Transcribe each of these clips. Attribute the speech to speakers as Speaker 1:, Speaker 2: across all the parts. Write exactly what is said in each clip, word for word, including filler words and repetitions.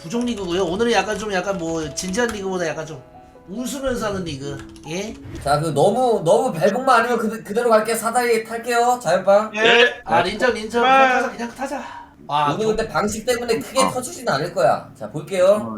Speaker 1: 부족 리그고요. 오늘은 약간 좀 약간 뭐 진지한 리그보다 약간 좀 웃으면서 하는 리그. 예?
Speaker 2: 자, 그 너무 너무 벨붕만 아니면 그, 그대로 갈게. 사다리 탈게요. 자연빵.
Speaker 3: 예.
Speaker 1: 아 린정 린정 그냥 타자 그냥 타자. 아,
Speaker 2: 오늘
Speaker 1: 저,
Speaker 2: 근데 방식 때문에 크게 터지진 않을 거야. 자, 볼게요.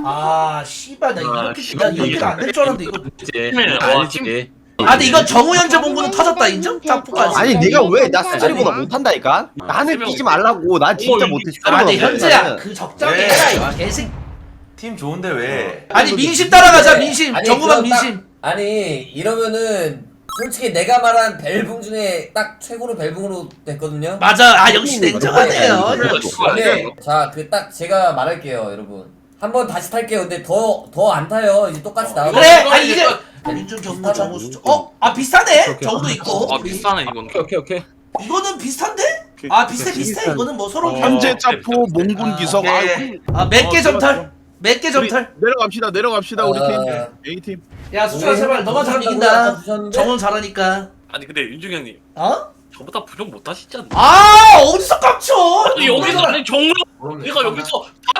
Speaker 1: 아 씨발 나
Speaker 3: 아,
Speaker 1: 이렇게
Speaker 3: 씨발,
Speaker 1: 나 이렇게 안 될 줄 알았는데 이거.
Speaker 3: 네,
Speaker 4: 알지.
Speaker 1: 아 근데 이건 정우현재 봉구는 터졌다 인정? 짝포까지.
Speaker 5: 아니 내가 왜 나 스트리보다 못한다니까? 나는 뛰지 말라고. 난 진짜
Speaker 4: 어머,
Speaker 5: 못해.
Speaker 1: 아 근데 현재야
Speaker 5: 나는.
Speaker 1: 그 적당히
Speaker 3: 네.
Speaker 1: 해라 이 개새끼.
Speaker 3: 팀 좋은데 왜?
Speaker 1: 아니 민심 따라가자 민심.
Speaker 2: 아니,
Speaker 1: 정우만
Speaker 2: 그럼 딱-
Speaker 1: 민심.
Speaker 2: 아니, 이러면은 솔직히 내가 말한 벨붕 중에 딱 최고로 벨붕으로 됐거든요.
Speaker 1: 맞아. 아 역시 냉정하네요.
Speaker 2: 근데 자, 그 딱 제가 말할게요, 여러분. 한번 다시 탈게요. 근데 더 더 안 타요. 이제 똑같이 나와.
Speaker 1: 그래 아니 이제 민준 정우 정우 수 어? 아 비슷하네? 정우도 있고.
Speaker 4: 아 비싸네 이건.
Speaker 5: 오케이 오케이 오케이.
Speaker 1: 이거는 비슷한데? 아 비슷해 비슷해. 이거는 뭐 서로
Speaker 5: 현재
Speaker 4: 어,
Speaker 5: 짜포 몽군
Speaker 1: 아,
Speaker 5: 기석.
Speaker 3: 오케이.
Speaker 5: 아이고.
Speaker 1: 아 몇 개
Speaker 5: 어,
Speaker 1: 점탈? 몇 개
Speaker 5: 우리
Speaker 1: 점탈?
Speaker 5: 내려갑시다 내려갑시다 우리
Speaker 2: 어.
Speaker 5: 팀. A 팀.
Speaker 1: 야 수철아 제발 너만 잘하면 이긴다. 정우는 잘하니까.
Speaker 4: 아니 근데 윤중 형님
Speaker 1: 어?
Speaker 4: 저보다 부족 못 하시지 않나?
Speaker 1: 아 어디서 깝쳐?
Speaker 4: 아니 여기서 아니 정우 내가 여기서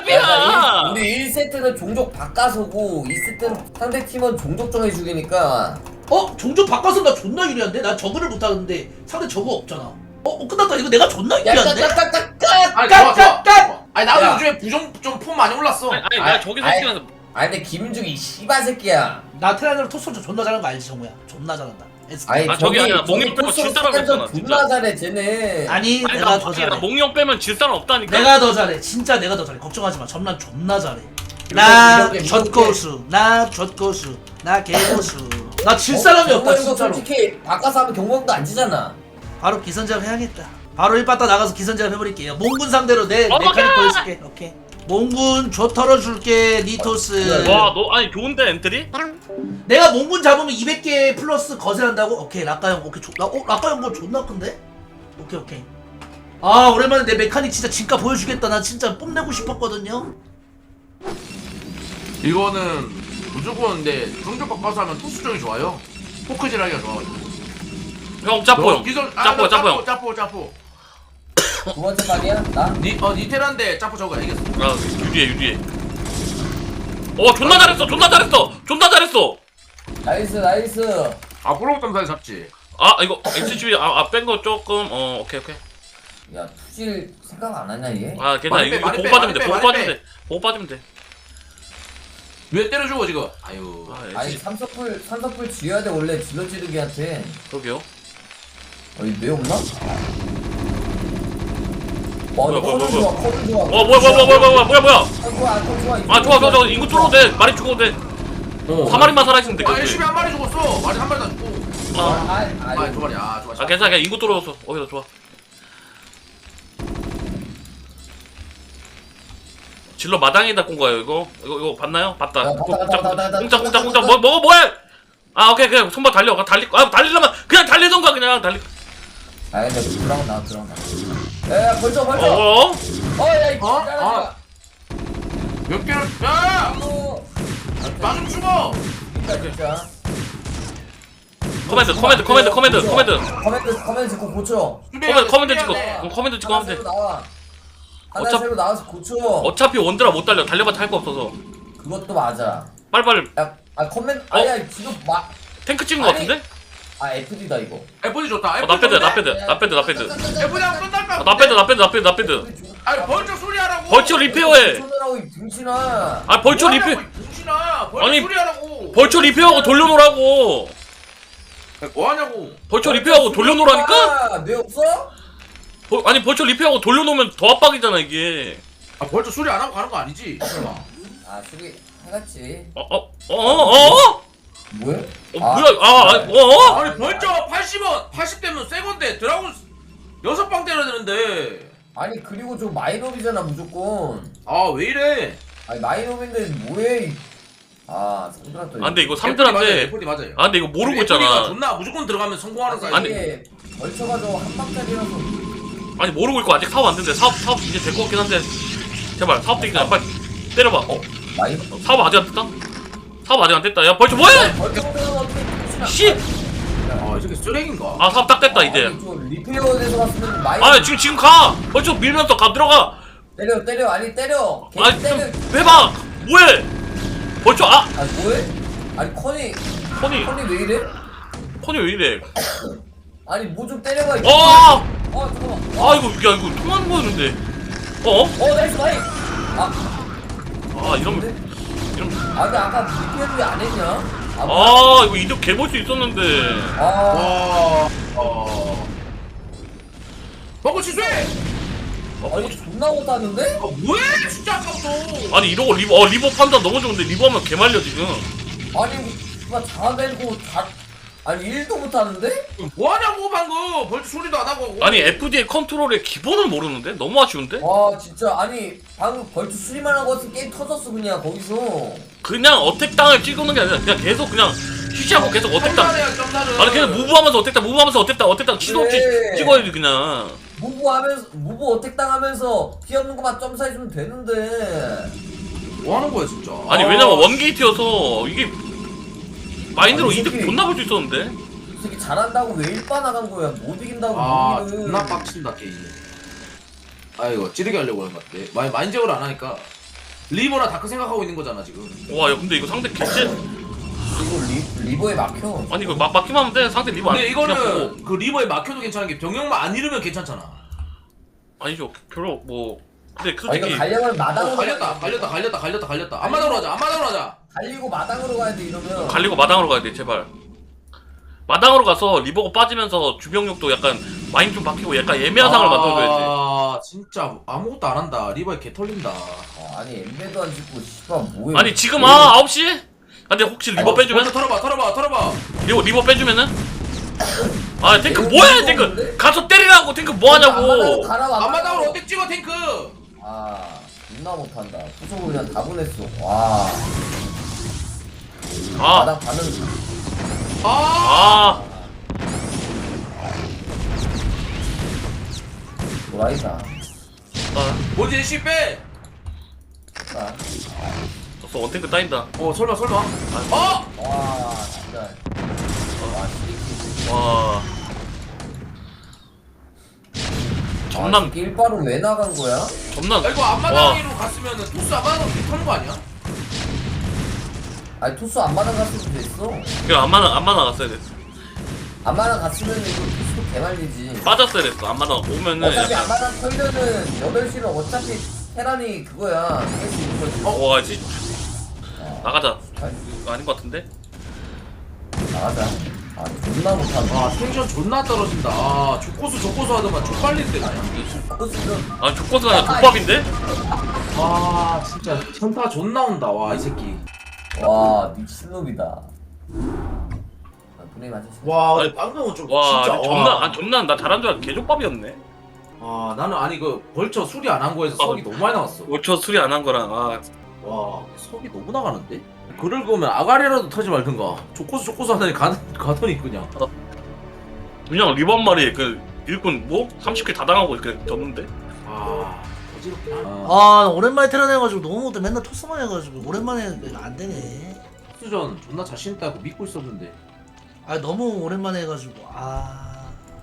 Speaker 4: 탑이야.
Speaker 2: 우리 일 세트는 종족 바꿔서고 이 세트는 상대 팀은 종족 정해 죽이니까
Speaker 1: 어? 종족 바꿔서 나 존나 유리한데? 나 저그를 못하는데 상대 저그 없잖아. 어? 어 끝났다. 이거 내가 존나 유리한데?
Speaker 2: 야까까까까
Speaker 6: 아니 좋아 좋아
Speaker 1: 깍깍깍!
Speaker 6: 아니 나도
Speaker 2: 야.
Speaker 6: 요즘에 부정 좀 폼 많이 올랐어.
Speaker 4: 아니, 아니
Speaker 2: 아이,
Speaker 4: 나 저기서
Speaker 2: 아이.
Speaker 4: 뛰면서
Speaker 2: 아니 근데 김중이 씨발 새끼야.
Speaker 1: 나 테란으로 토스전 존나 잘하는 거 알지 정우야? 존나 잘한다. 에스케이.
Speaker 2: 아니
Speaker 4: 아, 저기 아니라 몽이 빼고 질 사람 없잖아,
Speaker 2: 존나
Speaker 4: 진짜.
Speaker 2: 잘해 쟤네.
Speaker 1: 아니
Speaker 4: 아니
Speaker 1: 내가
Speaker 4: 나
Speaker 1: 더
Speaker 4: 몽이
Speaker 1: 잘해.
Speaker 4: 몽이 형 빼면 질 사람 없다니까.
Speaker 1: 내가 더 잘해. 진짜 내가 더 잘해. 걱정하지 마. 전란 존나 잘해. 나
Speaker 2: 이렇게, 이렇게.
Speaker 1: 젖고수. 나 젖고수. 나 개고수. 나 질 사람이 없다
Speaker 2: 경고형도
Speaker 1: 진짜로.
Speaker 2: 솔직히 바꿔서 하면 경고형도 안 지잖아.
Speaker 1: 바로 기선제압 해야겠다. 바로 일바따 나가서 기선제압 해버릴게요. 몽군 상대로 내
Speaker 4: 어,
Speaker 1: 메카닉
Speaker 4: 오케이!
Speaker 1: 보여줄게. 오케이. 몽군 줘 털어줄게 니토스.
Speaker 4: 와 너 아니 좋은데 엔트리?
Speaker 1: 내가 몽군 잡으면 이백 개 플러스 거세한다고? 오케이 라카형 오케이 조, 라, 어? 라카형 거 존나 큰데? 오케이 오케이. 아 오랜만에 내 메카닉 진짜 진가 보여주겠다. 나 진짜 뽐내고 싶었거든요.
Speaker 6: 이거는 무조건 근데 종족 바꿔서 하면 토스정이 좋아요. 포크질하기가 좋아가지고.
Speaker 4: 형 짜포 형.
Speaker 6: 기존 아,
Speaker 4: 짜포
Speaker 6: 나
Speaker 4: 짜포 형.
Speaker 6: 짜포 짜포.
Speaker 2: 두 번째 말이야? 나?
Speaker 6: 니어 니테란데 짜포 저거 알겠어.
Speaker 4: 아 유리해 유리해. 어 존나 잘했어 존나 잘했어 존나 잘했어.
Speaker 2: 나이스 나이스.
Speaker 6: 아 프로브 점사에 잡지.
Speaker 4: 아 이거 엑스지비 아뺀 거 조금 어 오케이 오케이.
Speaker 2: 야 투질 생각 안 하냐 얘?
Speaker 4: 아 괜찮아
Speaker 6: 많이
Speaker 4: 이거
Speaker 6: 빼, 많이
Speaker 4: 보고
Speaker 6: 빼,
Speaker 4: 빠지면 돼
Speaker 6: 많이
Speaker 4: 보고
Speaker 6: 빼,
Speaker 4: 빠지면
Speaker 6: 많이
Speaker 4: 돼 보고 빠지면 돼.
Speaker 6: 왜 때려주고 지금? 아유.
Speaker 4: 아
Speaker 2: 아니
Speaker 4: 엑스
Speaker 2: 삼석불 삼석불 쥐어야 돼 원래 질러지르기한테.
Speaker 4: 저기요.
Speaker 2: 어이 뇌 없나? 와
Speaker 4: 뭐야,
Speaker 2: 이거
Speaker 4: 뭐야,
Speaker 2: 커는
Speaker 4: 뭐야,
Speaker 2: 좋아 커는 좋아.
Speaker 4: 어 뭐야 뭐야 뭐야 뭐야 뭐야 뭐야 뭐야.
Speaker 2: 아 좋아 아 좋아.
Speaker 4: 아 좋아 좋아 좋아 인구 뚫어도 돼 말이 죽어도 돼. 사 마리만 살아있으면 돼.
Speaker 6: 아 열심히 한 마리 죽었어. 마리 한 마리 다 죽고.
Speaker 4: 아,
Speaker 6: 아두 마리. 아 좋아.
Speaker 4: 아 괜찮아 그냥 인구 뚫어줬어. 오히려 좋아. 질러 마당에다 꼰 거예요 이거 이거 이거 봤나요? 봤다.
Speaker 2: 야, 봤다, 봤다, 봤다, 봤다.
Speaker 4: 공짜 공짜 공짜 뭐 뭐 뭐해? 아 오케이 그냥 손발 달려. 달리 아 달리려면 그냥 달리던가 그냥 달리.
Speaker 2: 아 근데 들어가 나 들어가. 야 벌써 벌써.
Speaker 4: 어?
Speaker 2: 어야 이
Speaker 6: 어?
Speaker 2: 잘하지
Speaker 6: 몇 개를? 야!
Speaker 2: 마.
Speaker 6: 마중 죽어.
Speaker 2: 진짜 진짜.
Speaker 4: 커맨드 커맨드 커맨드 커맨드 커맨드
Speaker 2: 커맨드 커맨드 찍고 고쳐.
Speaker 4: 커맨드 커맨드 찍고
Speaker 6: 네.
Speaker 4: 응, 커맨드 찍고
Speaker 2: 하나
Speaker 4: 하면 돼.
Speaker 2: 새로 나와. 하나
Speaker 4: 어차피-
Speaker 2: 새로 나와서 고쳐.
Speaker 4: 어차피 원드라 못 달려. 달려봤자 할 거 없어서.
Speaker 2: 그것도 맞아.
Speaker 4: 빨리빨리
Speaker 2: 야, 아 커맨드
Speaker 4: 어?
Speaker 2: 아니야 지금 막.
Speaker 4: 탱크 찍은 거 같은데?
Speaker 2: 아 에프디다 이거.
Speaker 6: 에프디 좋다.
Speaker 4: 어, 나 패드 나 패드 나 패드 나 패드.
Speaker 6: 에프디 하면 끝날까?
Speaker 4: 아, 나 패드 나 패드 나 패드 나 패드.
Speaker 6: 아니 벌쩍 소리 하라고.
Speaker 4: 벌초 리페어해.
Speaker 2: 손으라고 이 등신아.
Speaker 4: 아 벌초 리페
Speaker 6: 동신아. 벌쩍
Speaker 4: 아니,
Speaker 6: 소리 하라고.
Speaker 4: 벌초 리페어하고 돌려놓으라고.
Speaker 6: 뭐 하냐고.
Speaker 4: 벌초 리페어하고 돌려놓으라니까?
Speaker 2: 뇌 없어?
Speaker 4: 벌- 아니 벌초 리페어하고 돌려놓으면 더 압박이잖아 이게.
Speaker 6: 아 벌쩍 소리 안 하고 가는 거 아니지? 설마.
Speaker 2: 아 수비 해갔지.
Speaker 4: 어어어어 어? 어?
Speaker 2: 뭐야?
Speaker 4: 어, 뭐야 아 아, 어?
Speaker 6: 아니 벌쩍 팔십 원, 팔십 대면 새 건데 드라군 여섯 방 때려야 되는데.
Speaker 2: 아니 그리고 좀 마이너비잖아 무조건.
Speaker 6: 아 왜 이래?
Speaker 2: 아니 마이너비인데 뭐해? 아 상들한테.
Speaker 4: 아 근데 이거
Speaker 6: 에프디
Speaker 4: 삼들한테
Speaker 6: 맞아요.
Speaker 4: 아 근데 이거 모르고
Speaker 6: 에프디가
Speaker 4: 있잖아.
Speaker 6: 존나 무조건 들어가면 성공하는 사이즈.
Speaker 4: 아니.
Speaker 2: 이게 걸쳐가지고 한 방짜리라서.
Speaker 4: 아니 모르고 있고 아직 사업 안 된대. 사업 사업 이제 될 것 같긴 한데 제발 사업 되기 전에 빨리 때려봐. 어?
Speaker 2: 마이.
Speaker 4: 사업 아직 안 됐다? 사업 아직 안 됐다. 야 벌써 뭐해?
Speaker 2: 걸쳐보면 어떻게 등신아.
Speaker 4: 씨!
Speaker 6: 아, 이 새끼 쓰레기인가?
Speaker 4: 아 사업 딱 됐다 이제.
Speaker 2: 아니, 좀 리페어돼서 갔으면 마이.
Speaker 4: 아 지금 지금 가. 벌써 밀면서 가 들어가.
Speaker 2: 때려 때려 아니 때려. 걔
Speaker 4: 아니
Speaker 2: 때려.
Speaker 4: 좀 해봐. 뭐해? 벌써 아
Speaker 2: 아 뭐해? 아니 커니
Speaker 4: 커니
Speaker 2: 커니 왜 이래?
Speaker 4: 커니 왜 이래?
Speaker 2: 아니 뭐 좀 때려봐. 이거.
Speaker 4: 아!
Speaker 2: 아 잠깐만.
Speaker 4: 아 이거 야 이거 통하는 거였는데. 어?
Speaker 2: 어 나이스 나이. 아
Speaker 4: 아 이러면 이러면
Speaker 2: 아 근데 아까 리페어를 왜안 했냐? 아,
Speaker 4: 아 이거 이득 개볼 수 있었는데.
Speaker 2: 아
Speaker 6: 와. 어. 벙커 취소해.
Speaker 2: 아 이거 존나 못하는데?
Speaker 6: 아 뭐해? 진짜 아까부터.
Speaker 4: 아니 이러고 리버 어 리버 판단 너무 좋은데 리버 하면 개말려 지금.
Speaker 2: 아니 이거 자대고 다 아니 일도 못하는데?
Speaker 6: 뭐 하냐고 방금. 벌써 소리도 안 하고.
Speaker 4: 아니 에프디의 컨트롤의 기본을 모르는데? 너무 아쉬운데?
Speaker 2: 와 진짜 아니 방금 벌써 수리만 하고 왔으면 게임 터졌어 그냥 거기서.
Speaker 4: 그냥 어택당을 찍는 게 아니라 그냥 계속 그냥 쉬쉬하고 계속 어택당.
Speaker 6: 점사래야, 점사를.
Speaker 4: 아니 그냥 무브하면서 어택당 무브하면서 어택당 어택당 치도 없이
Speaker 2: 그래.
Speaker 4: 찍어야지 그냥.
Speaker 2: 무브 하면서 무브 어택 당하면서 피 없는 거만 점사해주면 되는데.
Speaker 6: 뭐 하는 거야 진짜.
Speaker 4: 아니
Speaker 2: 아,
Speaker 4: 왜냐면 원게이트여서 이게 마인드로
Speaker 2: 아니, 이
Speaker 4: 이득
Speaker 2: 새끼.
Speaker 4: 존나 볼 수 있었는데.
Speaker 2: 이 새끼 잘한다고 왜 일반 나간 거야? 못 이긴다고
Speaker 6: 아
Speaker 2: 못 이기는.
Speaker 6: 존나 빡친다 게임. 아 이거 찌르게 하려고 하는 것 같아. 마인 마인적으로 안 하니까 리버나 다크 생각하고 있는 거잖아 지금.
Speaker 4: 와 야 근데 이거 상대 개쎄.
Speaker 2: 이거 리, 리버에 막혀.
Speaker 4: 아니 이거 막 막기만 하면 돼. 상대 리버 안
Speaker 6: 근데
Speaker 4: 그냥 보고.
Speaker 6: 이거는 그 리버에 막혀도 괜찮은 게 병력만 안 잃으면 괜찮잖아.
Speaker 4: 아니죠 별로 뭐 근데
Speaker 2: 아 이거
Speaker 4: 솔직히
Speaker 2: 갈려면 마당으로
Speaker 6: 어, 갈렸다
Speaker 2: 가야 돼.
Speaker 6: 갈렸다 갈렸다 갈렸다 갈렸다. 앞마당으로 하자 앞마당으로 하자.
Speaker 2: 갈리고 마당으로 가야 돼 이러면.
Speaker 4: 갈리고 마당으로 가야 돼 제발. 마당으로 가서 리버가 빠지면서 주병력도 약간 마인 좀 바뀌고 약간 애매한 상을 만들어줘야지.
Speaker 6: 아 진짜 아무것도 안 한다. 리버에 개 털린다.
Speaker 2: 어, 아니 엠베도 안 짓고 씨발 뭐야?
Speaker 4: 아니 지금 아 아홉 시? 근데 혹시 리버
Speaker 2: 어,
Speaker 4: 빼주면?
Speaker 6: 먼저 털어봐 털어봐 털어봐.
Speaker 4: 리버 리버 빼주면은? 아 탱크
Speaker 2: 이거
Speaker 4: 뭐해
Speaker 2: 이거
Speaker 4: 탱크
Speaker 2: 없는데?
Speaker 4: 가서 때리라고 탱크 뭐하냐고.
Speaker 2: 앞마당으로 가라
Speaker 6: 앞마당으로 어떻게 찍어 탱크.
Speaker 2: 아 존나 못한다. 부속을 그냥 다 보냈어. 와.
Speaker 4: 아
Speaker 2: 마당 가는.
Speaker 6: 아
Speaker 4: 아.
Speaker 2: 도라이다.
Speaker 4: 아,
Speaker 6: 뭔지 씨 빼.
Speaker 2: 아.
Speaker 4: 졌어 원탱크 따인다.
Speaker 6: 어 설마 설마. 어.
Speaker 2: 와 진짜. 와 시리키.
Speaker 4: 와. 전남
Speaker 2: 일바로 왜 나간 거야?
Speaker 4: 전남.
Speaker 6: 야, 이거
Speaker 4: 와.
Speaker 6: 앞마당으로 갔으면은 토스 앞마당으로 개 터는 거 아니야?
Speaker 2: 아니 토스 안 마당 갔으면 됐어.
Speaker 4: 이거 안마 안마 나갔어야 됐어.
Speaker 2: 안 마당 갔으면 이거 토스도 개말리지.
Speaker 4: 빠졌어야 됐어. 안마 나 오면은
Speaker 2: 어차피 안
Speaker 4: 약간.
Speaker 2: 마당 털면은 여덟 시는 어차피 테란이 그거야. 할 수 있는 거지.
Speaker 4: 어 와지
Speaker 2: 어,
Speaker 4: 나가자.
Speaker 2: 아니,
Speaker 4: 이거 아닌 것 같은데?
Speaker 2: 나가자. 아 존나 못한다.
Speaker 6: 아 텐션 존나 떨어진다. 아 족고수 족고수 하더만 족발린데 그냥.
Speaker 2: 토스는
Speaker 4: 아 조커스가 아니라 족밥인데?
Speaker 6: 아 진짜 현타 존나 온다. 와 이 새끼.
Speaker 2: 와 미친놈이다. 아, 분명히 맞으시.
Speaker 6: 와
Speaker 4: 아니,
Speaker 6: 방금은 좀
Speaker 4: 와
Speaker 6: 진짜.
Speaker 4: 아니, 점나 아 점나 나 잘한 줄 알고 개족밥이었네.
Speaker 6: 아 나는 아니 그 벌처 수리 안 한 거에서 석이 너무 많이 나왔어.
Speaker 4: 오초 수리 안 한 거랑 아
Speaker 6: 와 석이 너무 나가는데? 그럴 거면 아가리라도 터지 말든가. 족고수 족고수 하더니 가, 가더니 그냥.
Speaker 4: 그냥 리버 한 마리 그 일꾼 뭐 삼십 킬 다 당하고 이렇게 졌는데.
Speaker 6: 아 어지럽긴 하네.
Speaker 1: 아 오랜만에 테란해가지고 너무 못해. 맨날 토스만 해가지고 오랜만에 안 되네.
Speaker 6: 수전 존나 자신 있다고 믿고 있었는데.
Speaker 1: 아 너무 오랜만에 해가지고 아.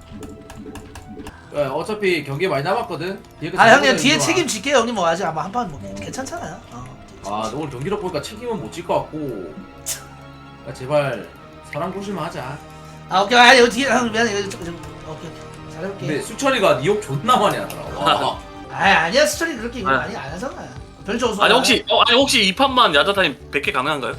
Speaker 6: 야, 어차피 경기 많이 남았거든. 뒤에
Speaker 1: 아 형님
Speaker 6: 거
Speaker 1: 뒤에
Speaker 6: 좋아.
Speaker 1: 책임질게요 형님. 뭐 아직 아마 한판 뭐 괜찮잖아요. 어.
Speaker 6: 아, 너 오늘 경기력 보니까 책임은 못 질 것 같고. 야, 제발 사람 조심만 하자.
Speaker 1: 아 오케이. 아니 여기 뒤에 형 미안해. 여기 좀, 좀 오케이 오케이. 잘해볼게.
Speaker 6: 근데 수철이가 니 욕 존나 많이 하더라. 와.
Speaker 1: 아 아니야 수철이 그렇게 이거
Speaker 4: 아.
Speaker 1: 많이 안 하잖아요. 별조 없어.
Speaker 4: 아니 혹시 어 아니 혹시 이 판만 야자타임 백 개 가능한가요?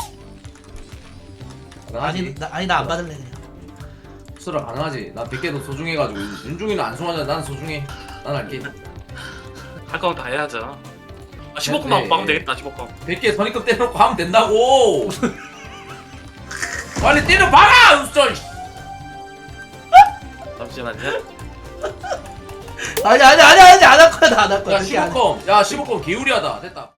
Speaker 1: 아니 나 아니 나 안 받을래 그냥.
Speaker 6: 수철아 가능하지. 난 백 개도 소중해가지고 윤중이는 안 소중하잖아. 난 소중해. 난 할게.
Speaker 4: 할 거면 다 해야죠. 아, 십오 컴만
Speaker 6: 네.
Speaker 4: 막으면 되겠다. 십오 컴.
Speaker 6: 백 개 선입금 때려놓고 하면 된다고. 빨리 때려봐라, 수철.
Speaker 4: 잠시만요.
Speaker 1: 아니 아니 아니 아니 안 할 거야 나 안 할 거야.
Speaker 6: 야,
Speaker 1: 그렇게 안 해.
Speaker 6: 십오 컴. 야, 십오 컴 개우리하다. 됐다.